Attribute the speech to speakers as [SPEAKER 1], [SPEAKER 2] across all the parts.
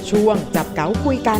[SPEAKER 1] ช่วงจับเก๋าคุยกัน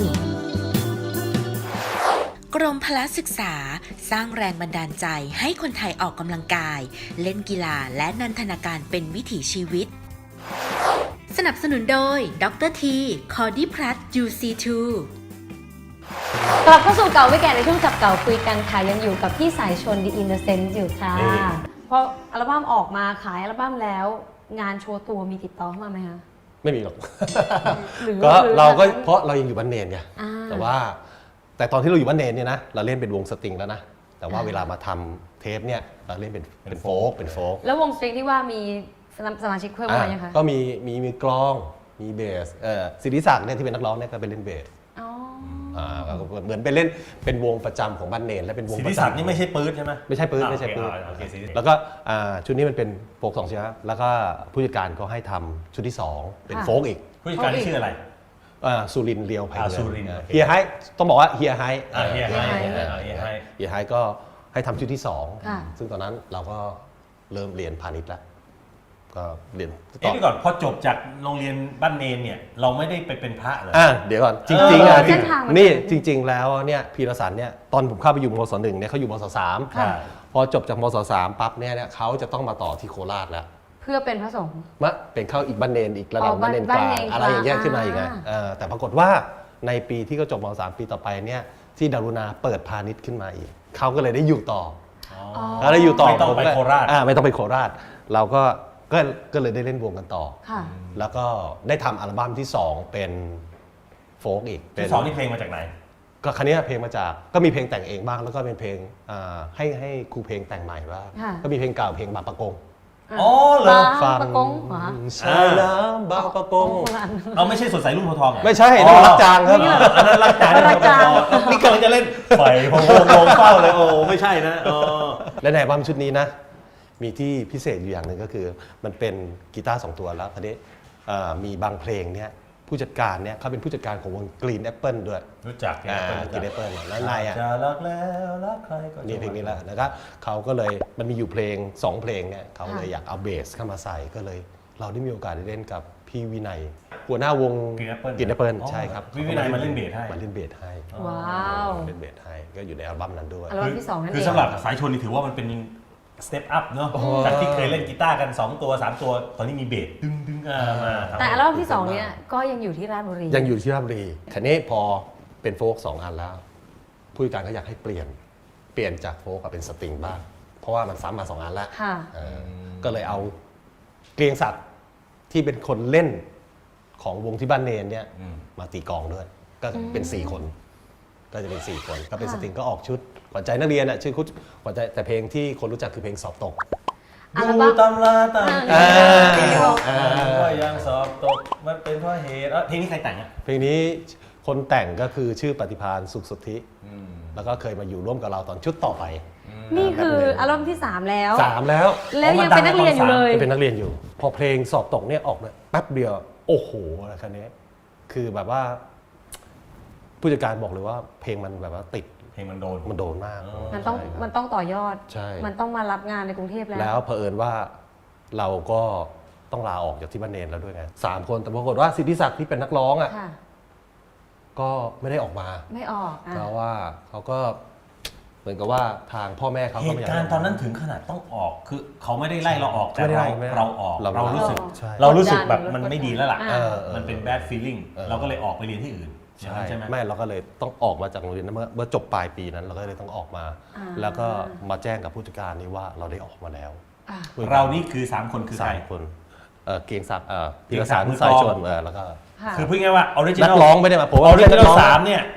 [SPEAKER 2] กรมพละศึกษาสร้างแรงบันดาลใจให้คนไทยออกกำลังกาย เล่นกีฬาและนันทนาการเป็นวิถีชีวิต สนับสนุนโดยดรทีคอร์ดิพลัส UC2
[SPEAKER 3] กลับเข้าสู่เก่าไม่แก่ในช่วงจับเก่าคุยกันค่ะยังอยู่กับพี่สายชน The Innocent อยู่ค่ะพออัลบั้มออกมาขายอัลบั้มแล้วงานโชว์ตัวมีติดต่อเข้ามาไหมคะ
[SPEAKER 4] ไม่มีหรอก ก็เราก็เพราะเรายังอยู่บ้านเนนไงแต่ตอนที่เราอยู่บ้านเนนเนี่ยนะเราเล่นเป็นวงสตริงแล้วนะแต่ว่าเวลามาทำเทปเนี่ยเราเล่นเป็นโฟล์ก
[SPEAKER 3] แล้ววงสตริงที่ว่ามีสมาชิกเพิ่มมายังคะ
[SPEAKER 4] ก็มีกลองมีเบสศิริศักดิ์เนี่ยที่เป็นนักร้องเนี่ยก็ไปเล่นเบสเหมือนไปเล่นเป็นวงประจำของบ้านเนนและเป็นวงประจำ
[SPEAKER 5] ศิริศักดิ์นี่ไม่ใช่ปื๊ดใช่ไหม
[SPEAKER 4] ไม่ใช่ปื๊ดแล้วก็ชุดนี้มันเป็นโฟล์ก2 ชิ้นแล้วก็ผู้จัดการก็ให้ทำชุดที่2เป็นโฟล์กอีก
[SPEAKER 5] ผู้จัดการชื่ออะไร
[SPEAKER 4] สุรินทร์เลียวไผ่เ
[SPEAKER 5] งิน
[SPEAKER 4] เฮียไฮต้องบอกว่าเฮียไฮ
[SPEAKER 5] เฮี
[SPEAKER 4] ยไฮก็ให้ทำชุดที่2ซึ่งตอนนั้นเราก็เริ่มเรียนพาณิชย์แล้วก็เรียน
[SPEAKER 5] ต่อก่อนพอจบจากโรงเรียนบ้านเนนเนี่ยเราไม่ได้ไปเป็นพระเหรอ
[SPEAKER 4] เดี๋ยวก่อนจริงนี่จริงๆแล้วเนี่ยพีรสันเนี่ยตอนผมเข้าไปอยู่มศ.1เนี่ยเขาอยู่มศ.3พอจบจากมศ.3ปั๊บเนี่ยเขาจะต้องมาต่อที่โคราชแล้ว
[SPEAKER 3] เพื่อเป็นพระสงฆ์
[SPEAKER 4] เป็นเข้าอีกบ้านเนนอีกระดับบ้านเนนกลางอะไรอย่างเงี้ยขึ้นมาอีกไงแต่ปรากฏว่าในปีที่เขาจบม.3 ปีต่อไปเนี่ยที่ดารุณาเปิดพาณิชย์ขึ้นมาอีกเขาก็เลยได้อยู่ต่อแล้วได้อยู่ต่อ
[SPEAKER 5] ไม่ต้องไปโคราช
[SPEAKER 4] ไม่ต้องไปโคราชเราก็เลยได้เล่นวงกันต่อแล้วก็ได้ทำอัลบั้มที่2เป็นโฟล์กอีก
[SPEAKER 5] ที่2นี่เพลงมาจากไหน
[SPEAKER 4] ก็คันนี้เพลงมาจากก็มีเพลงแต่งเองบ้างแล้วก็เป็นเพลงให้ครูเพลงแต่งใหม่บ้างก็มีเพลงเก่าเพลงบางปะกง
[SPEAKER 5] อ๋อเหรอ
[SPEAKER 4] ฟัง
[SPEAKER 5] ใช่แล้ว
[SPEAKER 4] บางปะกง
[SPEAKER 5] เอาไม่ใช่สดใสรุ่งโพทอง
[SPEAKER 4] ไม่ใช่นั่นรักจางครับ
[SPEAKER 5] อันนั้นรักจางนี่กำลังจะเล่นไฟพงเฝ้าเลยโอ้ไม่ใช่นะ
[SPEAKER 4] และในอัลบั้มชุดนี้นะมีที่พิเศษอยู่อย่างหนึ่งก็คือมันเป็นกีตาร์2 ตัวแล้วทีนี้มีบางเพลงเนี่ยผู้จัดการเนี่ยเขาเป็นผู้จัดการของวง Green Apple ด้วย
[SPEAKER 5] รู้จัก
[SPEAKER 4] Green Apple แล้วนาย
[SPEAKER 5] จะรักแล้วรักใครก็
[SPEAKER 4] นี่เพลงนี้แหละนะครับเขาก็เลยมันมีอยู่เพลง2 เพลงเนี่ยเขาเลยอยากเอาเบสเข้ามาใส่ก็เลยเราได้มีโอกาสได้เล่นกับพี่วินัยหัวหน้าวง Green Apple ใช่ครับ
[SPEAKER 5] พี่วินัยมาเล่นเบสให้
[SPEAKER 3] ว้าว
[SPEAKER 4] เล่นเบสให้ก็อยู่ในอัลบั้มนั้นด้วย
[SPEAKER 3] อัลบั้มที่2นั่นเอง
[SPEAKER 5] คือสำหรับสายชนนี่ถือว่ามันเป็นสเต็ปอัพเนาะจากที่เคยเล่นกีตาร์กัน2 ตัว 3 ตัวตอนนี้มีเบสดึงมา
[SPEAKER 3] แต่อัลบั้มที่2เนี่ยก็ยังอยู่ที่ราชบุรี
[SPEAKER 4] ยังอยู่ที่ราชบุรีคันนี้พอเป็นโฟล์ก2 อันแล้วผู้จัดการก็อยากให้เปลี่ยนจากโฟล์กเป็นสตริงบ้างเพราะว่ามันซ้ำมา2 อันแล้วก็เลยเอาเกรียงศักดิ์ที่เป็นคนเล่นของวงที่บ้านเนนเนี่ยมาตีกลองด้วยก็เป็น4 คนก็จะเป็น4 คนก็เป็นสตริงก็ออกชุดขวัญใจนักเรียนชื่อชุดขวัญใจแต่เพลงที่คนรู้จักคือเพลงสอบตก
[SPEAKER 5] ดูตำราตำว่ายังสอบตกมันเป็นเพราะเหตุเพลงนี้ใครแต่งอ่ะ
[SPEAKER 4] เพลงนี้คนแต่งก็คือชื่อปฏิภาณสุขสุทธิแล้วก็เคยมาอยู่ร่วมกับเราตอนชุดต่อไป
[SPEAKER 3] นี่คืออัลบั้มที่3แล้ว
[SPEAKER 4] แล้ว
[SPEAKER 3] ยังเป็นนักเรียนอยู่เลย
[SPEAKER 4] เป็นนักเรียนอยู่พอเพลงสอบตกเนี่ยออกเนี่ยแป๊บเดียวโอ้โหอะไรคันนี้คือแบบว่าผู้จัดการบอกเลยว่าเพลงมันแบบว่าติด
[SPEAKER 5] เพลงมัน
[SPEAKER 4] โดนมาก
[SPEAKER 3] มันต้องต่อยอดมันต้องมารับงานในกรุงเทพ
[SPEAKER 4] แล้วเผอิญว่าเราก็ต้องลาออกจากที่บ้านเนนแล้วด้วยไง3 คนแต่ปรากฏว่าสิทธิศักดิ์ที่เป็นนักร้องอ่ะก็ไม่ได้ออกมา
[SPEAKER 3] ไม่ออก
[SPEAKER 4] เพราะว่าเขาก็เหมือนกับว่าทางพ่อแม่เขา
[SPEAKER 5] เหตุการณ์ตอนนั้นถึงขนาดต้องออกคือเขาไม่ได้ไล่เราออกแต่เราออกเรารู้สึกแบบมันไม่ดีแล้วล่ะมันเป็น bad feeling เราก็เลยออกไปเรียนที่อื่น
[SPEAKER 4] ใช่ไม่เราก็เลยต้องออกมาจากโรงเรียนเมื่อจบปลายปีนั้นเราก็เลยต้องออกมาแล้วก็มาแจ้งกับผู้จัดการนี่ว่าเราได้ออกมาแล้ว
[SPEAKER 5] เรานี่คือ3 คนคือใคร
[SPEAKER 4] 3 คนเกียงศักดิ์พีรศักดิ์สายชนแล้วก็
[SPEAKER 5] คือพูดง่ายว่าออริจินอล
[SPEAKER 4] นักร้องไม่ได้มาผม
[SPEAKER 5] ออริจินอล3เนี่ย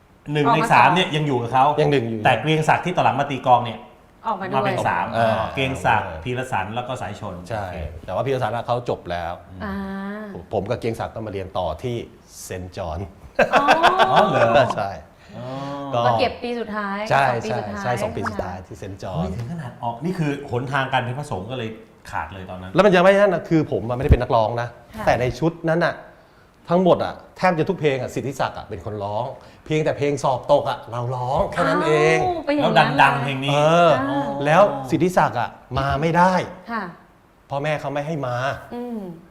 [SPEAKER 5] 1 ใน 3เนี่ยยังอยู่กับเขา
[SPEAKER 4] ยัง1อยู่
[SPEAKER 5] แต่เกียงศักดิ์ที่ต่อหลังมาตีกองเนี่ยมาเป็น3เกียงศักดิ์พีรสันแล้วก็สายชน
[SPEAKER 4] ใช่แต่ว่าพีรสันเขาจบแล้วผมกับเกียงศักดิ์ต้องมาเรียนต่อที่เซนต์จอห์น
[SPEAKER 5] เหรอ
[SPEAKER 4] ใช่
[SPEAKER 3] ก็เก็บปีสุดท้าย
[SPEAKER 4] ใช่2 ปีสุดท้ายที่เซนต์จอห์น
[SPEAKER 5] ถึงขนาดออกนี่คือหนทางการเป็นพระสงฆ์ก็เลยขาดเลยตอนนั้น
[SPEAKER 4] แล้วมันยังไม่นั่นนะคือผมไม่ได้เป็นนักร้องนะแต่ในชุดนั้นน่ะทั้งหมดอ่ะแทบจะทุกเพลงอ่ะสิทธิศักดิ์อ่ะเป็นคนร้องเพียงแต่เพลงสอบตกอ่ะเราร้องแค่นั้นเอง
[SPEAKER 5] แล้วดังเพลงนี้
[SPEAKER 4] แล้วสิทธิศักดิ์อ่ะมาไม่ได้พ่อแม่เขาไม่ให้มา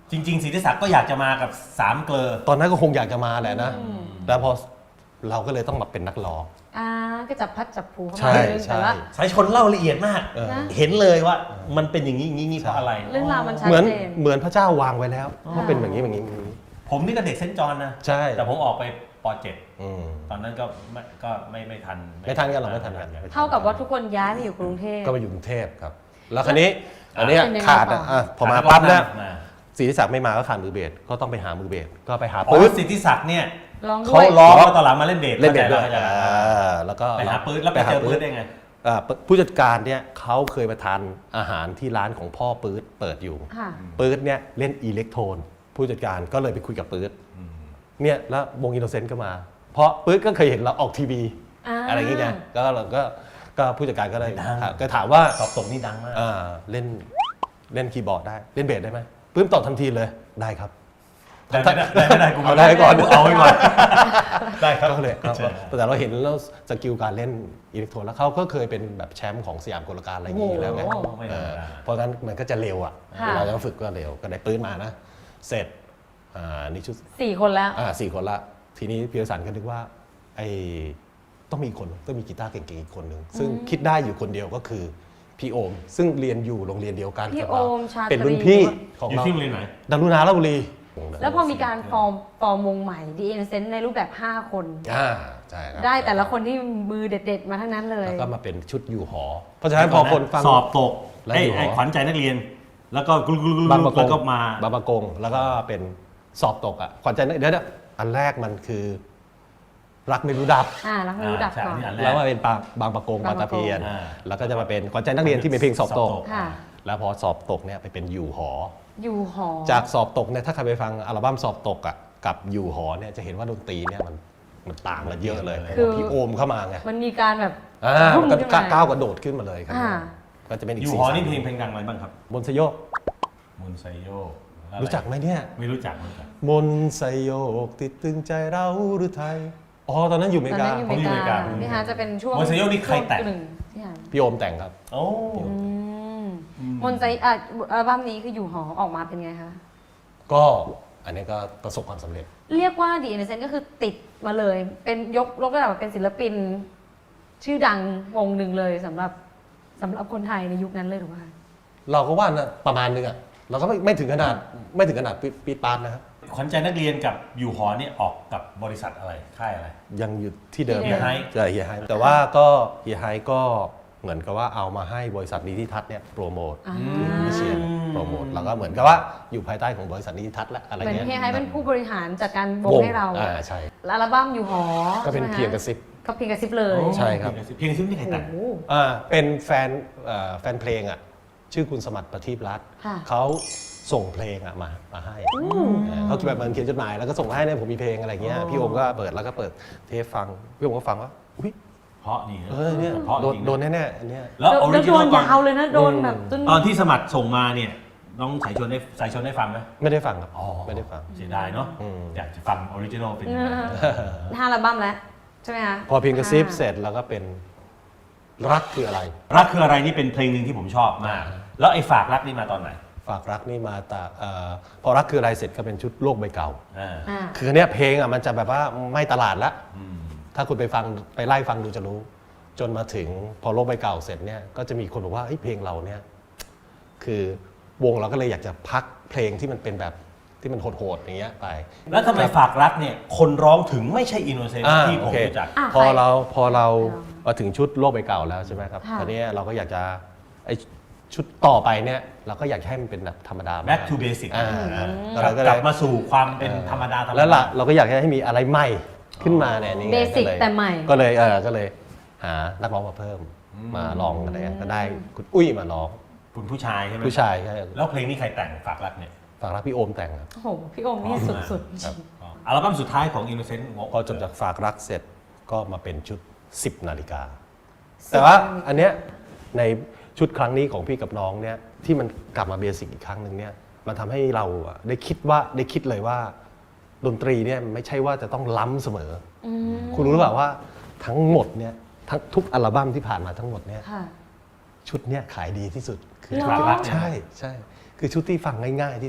[SPEAKER 5] จริงๆศิริศักดิ์ก็อยากจะมากับ3 เกลอ
[SPEAKER 4] ตอนนั้นก็คงอยากจะมาแหละนะแต่พอเราก็เลยต้องมาเป็นนักร้อง
[SPEAKER 3] ก็จับพัดจับผูเข้า
[SPEAKER 4] ใช่
[SPEAKER 3] มาเรื่อง
[SPEAKER 4] ใช่
[SPEAKER 3] แต่ว่า
[SPEAKER 5] สายชนเล่าละเอียดมาก
[SPEAKER 3] นะ
[SPEAKER 5] เห็นเลยว่ามันเป็นอย่างนี้อย่างนี้เพราะอะไร
[SPEAKER 3] เรื่องราวมันชัด
[SPEAKER 4] เหมือน
[SPEAKER 3] เจน
[SPEAKER 4] เหมือนพระเจ้าวางไว้แล้วว่าเป็นแบบนี้แบบนี้แบบนี้
[SPEAKER 5] ผมนี่ก็เด็กเซนต์จอห์นนะ
[SPEAKER 4] ใช่
[SPEAKER 5] แต่ผมออกไปป
[SPEAKER 4] อืม
[SPEAKER 5] .7 ตอนนั้นก็ไม่ทัน
[SPEAKER 4] ไม่ทันกันหรอกไม่ทันกัน
[SPEAKER 3] เท่ากับว่าทุกคนย้ายมาอยู่กรุงเทพ
[SPEAKER 4] ก็มาอยู่กรุงเทพครับ แล้วคราวนี้อันเนี้ย
[SPEAKER 3] เป็นยังไง
[SPEAKER 4] ขาด
[SPEAKER 3] ต่ออ่
[SPEAKER 4] พอมาปั๊บเนี่ย
[SPEAKER 5] มา
[SPEAKER 4] ศรีศักดิ์ไม่มาก็ขาดมือเบสก็ต้องไปหามือเบสก็ไปหา
[SPEAKER 5] อ๋
[SPEAKER 4] ปื๊
[SPEAKER 5] อ
[SPEAKER 4] ด
[SPEAKER 5] สิทธิศักดิ์เนี่ย
[SPEAKER 3] ร้องด้
[SPEAKER 4] เขา
[SPEAKER 3] วย
[SPEAKER 4] ร้
[SPEAKER 5] ร้
[SPEAKER 4] อ
[SPEAKER 5] อง งแล้วตอนหลังมาเล่นเบส
[SPEAKER 4] เล่นเบสด้วย
[SPEAKER 5] ข้าใจแล้ว
[SPEAKER 4] แล้วก็
[SPEAKER 5] ไปหาปื๊ดแล้วไปเจอปื๊ดได้ไง
[SPEAKER 4] ผู้จัดการเนี่ยเขาเคยมาทานอาหารที่ร้านของพ่อปื๊ดเปิดอยู่
[SPEAKER 3] ค่ะ
[SPEAKER 4] ปื๊ดเนี่ยเล่นอิเล็กโทรนผู้จัดการก็เลยไปคุยกับปื๊ดเนี่ยแล้ววงอินโนเซนต์ก็มา เพราะปื๊ดก็เคยเห็นเราออกทีวีอะไรอย่างเงี้ยก็เราก็ผู้จัดการก็เลย
[SPEAKER 5] ดัง
[SPEAKER 4] ก็ถามว่า
[SPEAKER 5] สอบตกนี่ดังมาก
[SPEAKER 4] เล่นคีย์บอร์ดได้เล่นเบสได้ไหมปื๊ดตอบทันทีเลยได้ครับ
[SPEAKER 5] ได้ไม่ได้กู
[SPEAKER 4] เอาได้ก่อน
[SPEAKER 5] เอาไว้ก่อนได้ครับ
[SPEAKER 4] ก็เลยครับ
[SPEAKER 5] ใช่
[SPEAKER 4] แต่เราเห็นแล้วสกิลการเล่นอิเล็กโทรนแล้วเขาก็เคยเป็นแบบแชมป์ของสยามกลการอะไรอย่างนี้แล้วไง
[SPEAKER 3] โอ้โห
[SPEAKER 5] ไม่ธรรมดา
[SPEAKER 4] เพราะงั้นมันก็จะเร็วอ่ะ
[SPEAKER 3] ค่ะ
[SPEAKER 4] เราจะฝึกก็เร็วก็ได้ปืนมานะ เสร็จนี่ชุด
[SPEAKER 3] 4 คนแล้ว
[SPEAKER 4] 4 คนละ ทีนี้พีรสันก็นึกว่าไอ้ต้องมีอีกคนต้องมีกีตาร์เก่งๆอีกคนหนึ่งซึ่งคิดได้อยู่คนเดียวก็คือพี่โอม ซึ่งเรียนอยู่โรงเรียนเดียวกัน
[SPEAKER 3] พี่
[SPEAKER 4] กับเรา
[SPEAKER 3] โอมชาตรี
[SPEAKER 4] เป็นรุ่นพี่ของ
[SPEAKER 5] อยู่
[SPEAKER 4] เรา
[SPEAKER 5] ที่โรงเรียนไหน
[SPEAKER 4] ดารุณาลบุรี
[SPEAKER 3] แล้วพอมีการฟอร์มวงใหม่ The Innocent ในรูปแบบ 5 คน
[SPEAKER 4] ใช่ครับ
[SPEAKER 3] ได้แต่ละคนที่มือเด็ดๆ มาทั้งนั้นเลย
[SPEAKER 4] แล้วก็มาเป็นชุดอยู่หอ เพราะฉะนั้นพอคนฟัง
[SPEAKER 5] สอบตก
[SPEAKER 4] แล้ว
[SPEAKER 5] ไอ้
[SPEAKER 4] อยู่หอ
[SPEAKER 5] ไอ้ขวัญใจนักเรียน แล้วก็กลุกๆๆๆ
[SPEAKER 4] บางประก
[SPEAKER 5] แล้
[SPEAKER 4] ง
[SPEAKER 5] วก็มา
[SPEAKER 4] บางประกงแล้วก็เป็นสอบตกอ่ะขวัญใจนักเดี๋ยวอันแรกมันคือ รักไม่รู้ดับ
[SPEAKER 3] รักไม่รู้ดับ
[SPEAKER 5] ใช่
[SPEAKER 3] ก่อน
[SPEAKER 5] อันนี้อันแร
[SPEAKER 4] แล้ว
[SPEAKER 5] ก
[SPEAKER 4] มาเป็นบางประกง
[SPEAKER 3] บา
[SPEAKER 4] บาง ง
[SPEAKER 3] ป
[SPEAKER 4] ตะ
[SPEAKER 3] ระกง
[SPEAKER 4] เพียน
[SPEAKER 5] อ่า
[SPEAKER 4] แล้วก็จะมาเป็นขวัญใจนักเรียนที่เป็นเพลงสอบตก
[SPEAKER 3] ค่ะ
[SPEAKER 4] แล้วพอสอบตกเนี่ยไปเป็นอยู่หอ
[SPEAKER 3] อยู่หอ
[SPEAKER 4] จากสอบตกเนี่ยถ้าใครไปฟังอัลบั้มสอบตกอ่ะกับอยู่หอเนี่ยจะเห็นว่าดนตรีเนี่ยมันต่างกันเยอะเลย
[SPEAKER 3] คือ
[SPEAKER 4] พี่โอมเข้ามาไง
[SPEAKER 3] มันมีการแบบ
[SPEAKER 4] มันก็
[SPEAKER 3] ขึ้นมา
[SPEAKER 4] ก้าวกระโดดขึ้นมาเลยครับ
[SPEAKER 3] อ่า
[SPEAKER 4] ก็จะเป็นอีก
[SPEAKER 5] อยู่
[SPEAKER 4] สี
[SPEAKER 5] หอ
[SPEAKER 4] สัน
[SPEAKER 5] นี่เพลงดังอะไรบ้างครับ
[SPEAKER 4] มนต์สยบ
[SPEAKER 5] มุนไซโยอะไร
[SPEAKER 4] รู้จักไหมเนี่ย
[SPEAKER 5] ไม่รู้จักเหมือนกัน
[SPEAKER 4] มนต์สยบติดตึงใจเราหรือไทยอ๋อตอนนั้นอยู่อเม
[SPEAKER 3] ตอน
[SPEAKER 4] ริกา
[SPEAKER 3] นั้นอยู่อ
[SPEAKER 5] ผมอยู่
[SPEAKER 3] เมริกา
[SPEAKER 5] อเมริกา
[SPEAKER 3] พี่ฮาจะเป็นช่วง
[SPEAKER 5] มนต์ไซโยนี่ใครแต่ง
[SPEAKER 3] ช่วหนึ่พี่ฮา
[SPEAKER 4] พี่โอมแต่งครับ
[SPEAKER 5] โอ้
[SPEAKER 3] มนต์ใจอัลบั้มนี้คืออยู่หอออกมาเป็นไงคะ
[SPEAKER 4] ก็อันนี้ก็ประสบความสำเร็จ
[SPEAKER 3] เรียกว่า The Innocent ก็คือติดมาเลย เป็นยกระดับเป็นศิลปิน ชื่อดังวงหนึ่งเลยสำหรับคนไทยในยุคนั้นเลยถูกไหมคะ
[SPEAKER 4] เราก็ว่านะประมาณนึงอ่ะเราก็ไม่ถึงขนาดปีดปานนะครับ
[SPEAKER 5] ขวัญใจนักเรียนกับอยู่หอเนี่ยออกกับบริษัทอะไรค่ายอะไร
[SPEAKER 4] ยังอยู่ที่เดิม
[SPEAKER 3] ที่เดิม
[SPEAKER 4] เฮียไฮแต่ว่าก็เฮียไฮก็เหมือนกับว่าเอามาให้บริษัทนิติทัศน์เนี่ยโปรโมท วิเชียรโปรโมทแล้วก็เหมือนกับว่าอยู่ภายใต้ของบริษัทนิติทัศน์และอะไร
[SPEAKER 3] เหมือน
[SPEAKER 4] เงี้ย
[SPEAKER 3] เฮียไฮเป็นผู้บริหารจัดการวงให้เรา
[SPEAKER 4] ใช่
[SPEAKER 3] แล้วอัลบั้มอยู่หอ
[SPEAKER 4] ก็เป็น
[SPEAKER 3] ใช่ไหมคะ
[SPEAKER 4] เพียงกระซิบ
[SPEAKER 3] ก็เพียงกระซิบเลย
[SPEAKER 4] ใช่ครับ
[SPEAKER 5] เพลงซึ่งนี่ใครแต่ง
[SPEAKER 3] โอ้โห
[SPEAKER 4] เป็นแฟนเพลงอ่ะชื่อคุณสมัติประทีปรัตน์
[SPEAKER 3] ค่ะ
[SPEAKER 4] เขาส่งเพลงอ่ะมาให้เขาแบบมันเขียนจดหมายแล้วก็ส่งให้เนี่ยผมมีเพลงอะไรเงี้ยพี่โอมก็เปิดแล้วก็เปิดเทปฟังพี่โอมก็ฟังว่าอุ้ย
[SPEAKER 5] เพราะนี่
[SPEAKER 4] เนี่ย
[SPEAKER 5] เพราะจริง
[SPEAKER 4] โดนแน่ๆอันเนี้ย
[SPEAKER 5] แล้วออริ
[SPEAKER 3] แล้ว
[SPEAKER 5] จิ
[SPEAKER 3] โด
[SPEAKER 5] นอล
[SPEAKER 3] นยาวเลยนะโดนแบบจน
[SPEAKER 5] ตอนที่สมัครส่งมาเนี่ยน้องสายชนได้ฟังไหม
[SPEAKER 4] ไม่ได้ฟังครับ
[SPEAKER 5] อ๋อ
[SPEAKER 4] ไม่ได้ฟัง
[SPEAKER 5] เสียดายเนาะ
[SPEAKER 4] อืม
[SPEAKER 5] อยากจะฟังออริจินอลเป็นยังไง
[SPEAKER 3] ห้าอัลบั้มแล้วใช่ไหมคะ
[SPEAKER 4] พอเพียงกระซิบเสร็จแล้วก็เป็นรักคืออะไร
[SPEAKER 5] รักคืออะไรนี่เป็นเพลงหนึ่งที่ผมชอบมาก แล้วไอ้ฝากรักนี่มาตอนไหน
[SPEAKER 4] ฝากรักนี่มาแต่พอรักคืออะไรเสร็จก็เป็นชุดโลกใบเก่า
[SPEAKER 5] อ่า
[SPEAKER 3] อ่า
[SPEAKER 4] คือเนี้ยเพลงอ่ะมันจะแบบว่าไม่ตลาดละ
[SPEAKER 5] อืม
[SPEAKER 4] ถ้าคุณไปไล่ฟังดูจะรู้ จนมาถึงพอโลกใบเก่าเสร็จเนี่ยก็จะมีคนบอกว่าเฮ้ยเพลงเราเนี่ยคือวงเราก็เลยอยากจะพักเพลงที่มันเป็นแบบที่มันโหดๆอย่างเงี้ยไป
[SPEAKER 5] แล้วทำไมฝากรักเนี่ยคนร้องถึงไม่ใช่อินโนเซนต์ที่ผม
[SPEAKER 4] โอเค
[SPEAKER 5] รู้จัก
[SPEAKER 4] พอเรา
[SPEAKER 3] อ่า
[SPEAKER 4] มาถึงชุดโลกใบเก่าแล้วใช่ไหมครับ
[SPEAKER 3] ค่ะ
[SPEAKER 4] ตอนนี้เราก็อยากจะไอชุดต่อไปเนี่ยเราก็อยากให้มันเป็นแบบธรรมดา
[SPEAKER 5] back to basic
[SPEAKER 4] เราก็
[SPEAKER 5] ก
[SPEAKER 4] เล
[SPEAKER 5] ลั
[SPEAKER 4] ย
[SPEAKER 5] บมาสู่ความเป็นธรรมดาธรรม
[SPEAKER 4] แล้วล่ะ
[SPEAKER 5] ดา
[SPEAKER 4] เราก็อยากให้มีอะไรใหม่ขึ้นมาเนี่ยนี่ไง
[SPEAKER 3] เบสิก
[SPEAKER 4] ก็เลย
[SPEAKER 3] แต่ใหม่
[SPEAKER 4] ก็เลยหานักร้องมาเพิ่มมาลองอะไรเงี้ยก็ได้คุณอุ้ยมาร้อง
[SPEAKER 5] คุณผู้ชายใช่ไหม
[SPEAKER 4] ผู้ชายใช่
[SPEAKER 5] แล้วเพลงนี้ใครแต่งฝากรักเนี่ย
[SPEAKER 4] ฝากรักพี่โอมแต่งครับ
[SPEAKER 3] โอ้โหพี่โอมนี่สุด
[SPEAKER 4] ครับ
[SPEAKER 5] อัลบั้มสุดท้ายของ Innocent
[SPEAKER 4] พอจบจากฝากรักเสร็จก็มาเป็นชุด 10 นาฬิกา แต่ว่าอันเนี้ยในชุดครั้งนี้ของพี่กับน้องเนี่ยที่มันกลับมาเบสิกอีกครั้งหนึ่งเนี่ยมันทำให้เราอะได้คิดเลยว่าดนตรีเนี่ยไม่ใช่ว่าจะต้องล้ำเสมออคุณรู้หรือเปล่าว่าทั้งหมดเนี่ยทุกอัลบั้มที่ผ่านมาทั้งหมดเนี่ย
[SPEAKER 3] ค่ะ
[SPEAKER 4] ชุดเนี่ยขายดีที่สุดคือ
[SPEAKER 3] เหรอ
[SPEAKER 4] ฝากรักใช่คือชุดที่ฟังง่ายๆที่สุด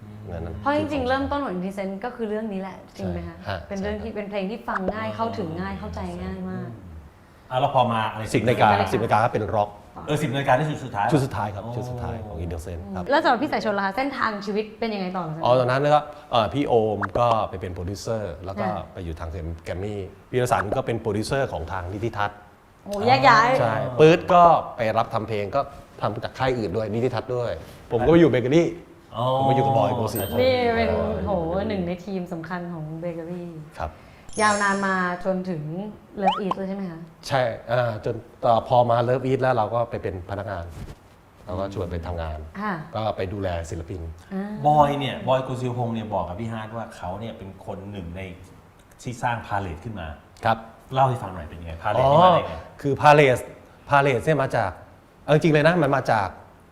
[SPEAKER 4] นั้น
[SPEAKER 3] เพราะจริงๆ เริ่มต้นของ Innocent ก็คือเรื่องนี้แหละจริงไหมคะ
[SPEAKER 4] ใช่
[SPEAKER 3] เป็นเรื่องที่เป็นเพลงที่ฟังง่ายเข้าถึงง่ายเข้าใจง่ายมาก
[SPEAKER 5] แล้วพอมาอะไร
[SPEAKER 4] 10 นาฬิกาก็เป็นร็อก
[SPEAKER 5] 10 นาฬิกาที่สุดท้าย
[SPEAKER 4] ชุดสุดท้ายครับชุดสุดท้ายของอินเดอร์เซนครับ
[SPEAKER 3] แล้วสำหรับพี่สายชนล่ะคะเส้นทางชีวิตเป็นยังไงต่อหลังจาก
[SPEAKER 4] อ๋อ
[SPEAKER 3] นั้น
[SPEAKER 4] ตอนนั้นก็พี่โอมก็ไปเป็นโปรดิวเซอร์แล้วก็ไปอยู่ทางแกรมมี่พี่รสันก็เป็นโปรดิวเซอร์ของทางนิติทัศน์
[SPEAKER 3] โอ้แยกย้าย
[SPEAKER 4] ใช่ปื๊ดก็ไปรับทำเพลงก็ทำจากค่ายอื่นด้วยนิติทัศน์ด้วย ผมก็ไปอยู่เบเกอรี่ผมมาอยู่กับบอยโกสิ
[SPEAKER 3] นี่เป็นโหหนึ่งในทีมสำคัญของเบเกอรี่
[SPEAKER 4] ครับ
[SPEAKER 3] ยาวนานมาจนถึงเลิฟอีทเลยใช่ไหมคะ
[SPEAKER 4] ใช่จนพอมาเลิฟอีทแล้วเราก็ไปเป็นพนักงาน เราก็ชวนไปทำงาน
[SPEAKER 3] ค่ะ
[SPEAKER 4] ก็ไปดูแลศิลปิน
[SPEAKER 5] บอยกุศิวพงศ์เนี่ยบอกกับพี่ฮาร์ดว่าเขาเนี่ยเป็นคนหนึ่งในที่สร้างพาเลทขึ้นมา
[SPEAKER 4] ครับ
[SPEAKER 5] เล่าให้ฟังหน่อยเป็นยังไงพาเล
[SPEAKER 4] อ๋
[SPEAKER 5] ท
[SPEAKER 4] อ
[SPEAKER 5] นี่มาได้ไง
[SPEAKER 4] คือพาเลสเนี่ยมาจากเอาจริงๆเลยนะมันมาจาก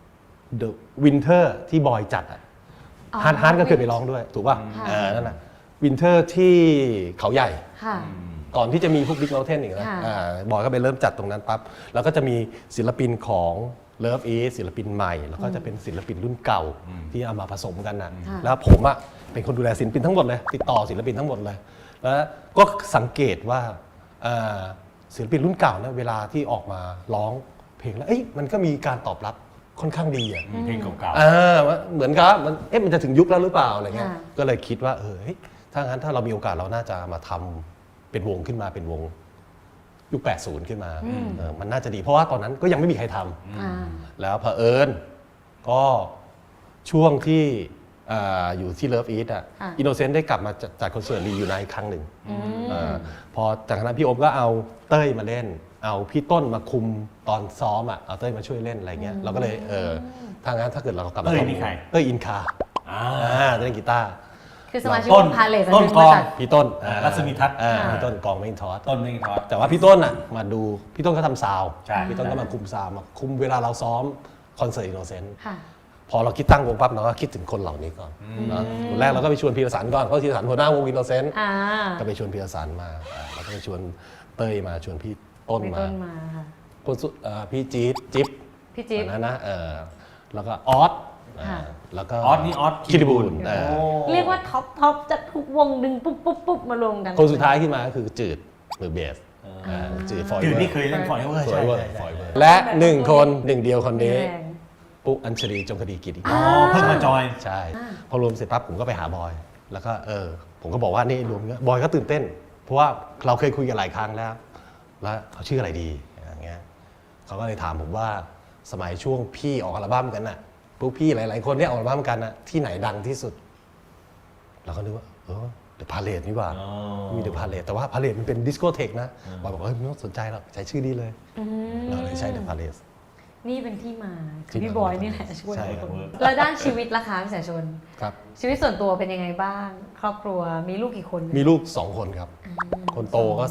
[SPEAKER 4] The Winter ที่บอยจัดอะ
[SPEAKER 3] อ๋อ
[SPEAKER 4] ฮาร์ดก็เคยไปร้องด้วย ถูกป่ะ
[SPEAKER 3] ค่ะ
[SPEAKER 4] นั่นน่ะวินเทอร์ที่เขาใหญ่
[SPEAKER 3] ค่ะ
[SPEAKER 4] ก่อนที่จะมีพวกบิ๊กเมลเทนอีกนะ
[SPEAKER 3] ค่ะ
[SPEAKER 4] บอยก็ไปเริ่มจัดตรงนั้นปั๊บแล้วก็จะมีศิลปินของเลิฟอีศิลปินใหม่ แล้วก็จะเป็นศิลปินรุ่นเก่าที่เอามาผสมกันนะ
[SPEAKER 3] ค่ะ
[SPEAKER 4] แล้วผมอะเป็นคนดูแลศิลปินทั้งหมดเลย ติดต่อศิลปินทั้งหมดเลย แล้วก็สังเกตว่าศิลปินรุ่นเก่าเนี่ยเวลาที่ออกมาร้องเพลงแล้วมันก็มีการตอบรับค่อนข้างดีอะ
[SPEAKER 5] เพลงเก่า
[SPEAKER 4] เหมือนกับมันจะถึงยุคแล้วหรือเปล่าอะไรเงี้ย
[SPEAKER 3] ค่ะ
[SPEAKER 4] ก็เลยคิดว่าเฮ้ยถ้างั้นถ้าเรามีโอกาสเราน่าจะมาทำเป็นวงขึ้นมาเป็นวงยุค 80 ขึ้นมามันน่าจะดีเพราะว่าตอนนั้นก็ยังไม่มีใครทำ
[SPEAKER 3] อ่า
[SPEAKER 4] แล้วเผอิญก็ช่วงที่อยู่ที่เลิฟอีทอ่ะ
[SPEAKER 3] ค่ะ
[SPEAKER 4] อินโนเซนต์ได้กลับมาจัดคอนเสิร์ตรีอยู่ในครั้งหนึ่งพอจากนั้นพี่โอมก็เอาเต้ยมาเล่น เอาพี่ต้นมาคุมตอนซ้อมอ่ะเอาเต้ยมาช่วยเล่นอะไรเงี้ยเราก็เลยถ้างั้นถ้าเกิดเรากลับมา
[SPEAKER 5] เต้ยนี่ใคร
[SPEAKER 4] เต้ยอินคา
[SPEAKER 5] ๆ
[SPEAKER 4] เล่นกีตาร์
[SPEAKER 3] คือสมาชิก
[SPEAKER 5] ต้
[SPEAKER 3] วน งพาเลท
[SPEAKER 5] ต้น
[SPEAKER 3] เป็น
[SPEAKER 5] ก
[SPEAKER 3] บ
[SPEAKER 5] ล
[SPEAKER 3] ริ
[SPEAKER 5] อง
[SPEAKER 3] ษัท
[SPEAKER 4] พี่ต้น
[SPEAKER 5] รัศมีทัศน์
[SPEAKER 4] พี่ต้นกองไม่อินทอส
[SPEAKER 5] ต้นไม่ทอด
[SPEAKER 4] แต่ว่าพี่ต้นอ่ะมาดูพี่ต้นก็ทำซาวด์
[SPEAKER 5] ใช่
[SPEAKER 4] พี่ต้นก็มาคุมซาวด์มาคุมเวลาเราซ้อมคอนเสิร์ตอินโนเซนต์
[SPEAKER 3] ค่ะ
[SPEAKER 4] พอเราคิดตั้งวงปั๊บเราก็คิดถึงคนเหล่านี้ก่อนนะคนแรกเราก็ไปชวนพีรสันก่อนเพราะพีรสันหัวหน้าวงอินโนเซนต์
[SPEAKER 3] อ่า
[SPEAKER 4] ก็ไปชวนพีรสันมาแล้วก็ไปชวนเต้ยมาชวนพี่ต้น
[SPEAKER 3] มี
[SPEAKER 4] มา
[SPEAKER 3] ต้นมาค่ะ
[SPEAKER 4] คนสุดพี่จี๊ดจิ๊บ
[SPEAKER 3] พี่จิ๊บ
[SPEAKER 4] อันนั้นนะแล้วก็ออส
[SPEAKER 3] ค่ะ
[SPEAKER 4] แล้วก็
[SPEAKER 5] ออสนี่ออส
[SPEAKER 4] คิริบูล
[SPEAKER 3] เรียกว่าท็อปจากทุกวงดึงปุ๊บมารวมกัน
[SPEAKER 4] คนสุดท้ายขึ้นมาก็คือจืดมือเบสจืดฟอย
[SPEAKER 5] จืด
[SPEAKER 4] เวอ
[SPEAKER 5] นี่
[SPEAKER 4] ร์
[SPEAKER 5] เคยเล่นฟอยเวอร์
[SPEAKER 4] ฟอยเวอร์
[SPEAKER 5] ใช่
[SPEAKER 4] ฟอยเวอร์และหนึ่งคนหนึ่งเดียวคนนี้
[SPEAKER 3] แรง
[SPEAKER 4] ปุ๊กอัญชลีจงคดีกิจอีก
[SPEAKER 5] อ๋อเพิ่งมาจอย
[SPEAKER 4] ใช่ พอรวมเสร็จปั๊บผมก็ไปหาบอย แล้วก็ผมก็บอกว่านี่รวมบอยก็ตื่นเต้น เพราะว่าเราเคยคุยกันหลายครั้งแล้ว แล้วเขาชื่ออะไรดีอย่างเงี้ยเขาก็เลยถามผมว่าสมัยช่วงพี่ออกอัลบั้มกันน่ะพวกพี่หลายๆคนเนี่ยออกอัลบั้มกันน่ะที่ไหนดังที่สุดเราก็นึกว่าเดอะพาเลทนี่หว่า
[SPEAKER 5] อ๋อ
[SPEAKER 4] มีเดอะพาเลทแต่ว่าพาเลทมันเป็นดิสโกเทคนะบอยบอกไม่ต้องสนใจหรอกใช้ชื่อนี้เลยเราเลยใช้เดอะพาเลท
[SPEAKER 3] นี่เป็นที่มาคือ
[SPEAKER 4] ที่
[SPEAKER 3] พี่
[SPEAKER 4] มา
[SPEAKER 3] บอยนี่แหละช่วย
[SPEAKER 4] ใช่
[SPEAKER 3] ทุก
[SPEAKER 4] ครับ
[SPEAKER 3] คนแล้วด้านชีวิตล่ะคะพี่สายชน
[SPEAKER 4] ครับ
[SPEAKER 3] ชีวิตส่วนตัวเป็นยังไงบ้าง ครอบครัวมีลูกกี่คน
[SPEAKER 4] มีลูก2คนครับ คนโตก็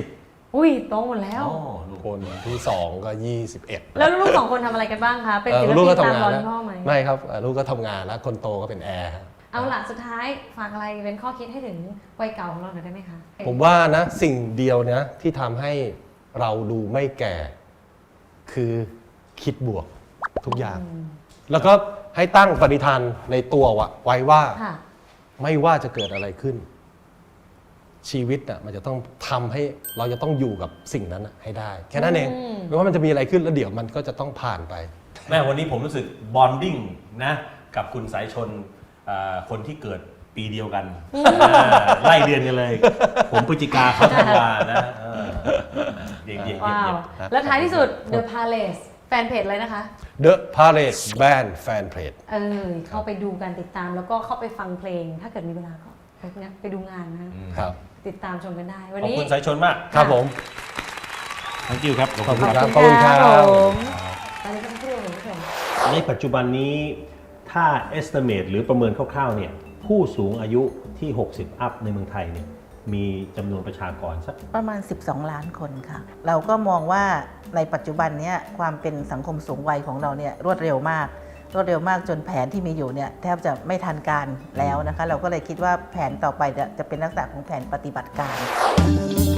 [SPEAKER 4] 30
[SPEAKER 3] อุ้ยโตหมดแล้ว
[SPEAKER 5] อ๋อลูก
[SPEAKER 4] คนที่2ก็21
[SPEAKER 3] แล้วลูกสองคนทำอะไรกันบ้างคะ เป็นศิล
[SPEAKER 4] ลูก
[SPEAKER 3] ปิ
[SPEAKER 4] ก็
[SPEAKER 3] นตาม
[SPEAKER 4] ทำงาน
[SPEAKER 3] ร้อน
[SPEAKER 4] แล้ว
[SPEAKER 3] พ่อไหม
[SPEAKER 4] ไม่ครับลูกก็ทำงานแล้วคนโตก็เป็นแอร์ครับ
[SPEAKER 3] เอาล่ะสุดท้ายฝากอะไรเป็นข้อคิดให้ถึงวัยเก่าของเราหน่อยได้ไหมคะ
[SPEAKER 4] ผมว่านะสิ่งเดียวนะที่ทำให้เราดูไม่แก่คือคิดบวกทุกอย่าง แล้วก็ให้ตั้งปณิธานในตัวไว้ว่า
[SPEAKER 3] ค่ะ
[SPEAKER 4] ไม่ว่าจะเกิดอะไรขึ้น ชีวิตน่ะมันจะต้องทำให้เราจะต้องอยู่กับสิ่งนั้นน่ะให้ได้ แค่นั้นเองไม่ว่ามันจะมีอะไรขึ้นแล้วเดี๋ยวมันก็จะต้องผ่านไป
[SPEAKER 5] แม่วันนี้ผมรู้สึกบอนดิ้งนะกับคุณสายชนคนที่เกิดปีเดียวกันไล่เดือนกันเลย ผมพฤศจิกาเขาธันวานะเยี่ยม
[SPEAKER 3] ว้าว แล้วท้ายที่สุด The Palace แฟนเพจเลยนะคะ
[SPEAKER 4] The Parade Band Fan Page
[SPEAKER 3] เข้าไปดูกันติดตามแล้วก็เข้าไปฟังเพลง ถ้าเกิดมีเวลาก็ไปดูงานนะ
[SPEAKER 4] ครับ
[SPEAKER 3] ติดตามชมกันได้ วัน
[SPEAKER 5] ขอบ
[SPEAKER 3] นี้
[SPEAKER 5] คุณสายชนมาก
[SPEAKER 4] ครับผม
[SPEAKER 5] thank you ครับ
[SPEAKER 4] ขอบคุณครับ
[SPEAKER 3] ขอบคุณครับ
[SPEAKER 4] ขอบคุณครับ
[SPEAKER 3] ผมตอนนี้ต้องเที่ยวเลยผู้ชม
[SPEAKER 5] ในปัจจุบันนี้ถ้า estimate หรือประเมินคร่าวๆเนี่ยผู้สูงอายุที่ 60 อัพในเมืองไทยเนี่ยมีจำนวนประชากรสัก
[SPEAKER 1] ประมาณ 12 ล้านคนค่ะ เราก็มองว่าในปัจจุบันเนี้ยความเป็นสังคมสูงวัยของเราเนี่ยรวดเร็วมากจนแผนที่มีอยู่เนี่ยแทบจะไม่ทันการแล้วนะคะ เราก็เลยคิดว่าแผนต่อไปจะเป็นลักษณะของแผนปฏิบัติการ